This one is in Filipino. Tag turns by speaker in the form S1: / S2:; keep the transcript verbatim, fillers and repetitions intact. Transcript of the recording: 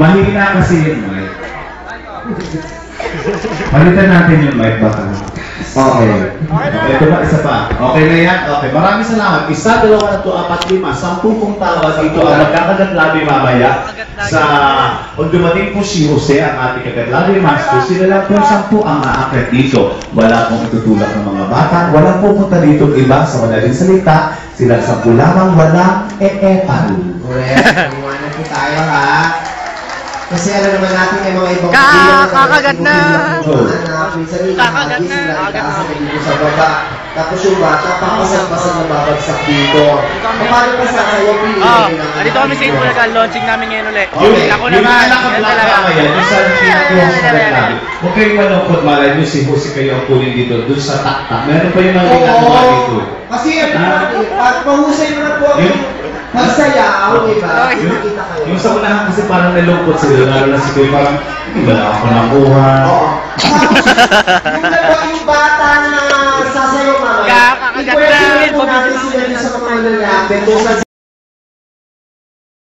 S1: mahina kasi yung mic. Palitan natin yung mic baka. Okay. Ito ba, isa pa. Okay na yan? Okay. Maraming salamat. Isa, dalawa, to, apat, lima. Sampung pong tawa dito ang magkakagatlabi mamaya sa kung dumating po si Jose, ang ating kagatlabi master, sila lang po sampu ang aakit dito. Wala pong itutulak ng mga bata. Walang pupunta dito iba sa madaling salita. Sila sampu lamang, walang e-epan.
S2: Correct. Iwanan po tayo, ha? Kasi alam naman natin may mga ibang
S3: Kakagat na!
S2: Kakagat na! Sa baba. Tapos yung bata, papasag-pasag na babagsak dito. Paano pa sa kayo?
S3: Oo, dito kami sa Itbulaga, launching namin ngayon ulit. Ako
S1: Yung
S3: naman,
S1: nakablock
S3: yan talaga.
S1: na yan, yung sa pinag-iwan sa kagatlabi. Huwag kayong malungkot, malay nyo si Jose kayo ang kunin dito, doon sa taktak. Meron pa yung mga ginagawa dito.
S2: Kasi pag mahusay mo na po magsayaw, di ba?
S1: Yung sa unahan kasi parang nalungkot sila, lalo na si Kuya parang, wala ako nakuha.
S2: Oo. Yung nagawa yung bata na sasayaw mamaya,
S3: Kakagat na!
S2: i-question po natin sila sa mga nangyayari.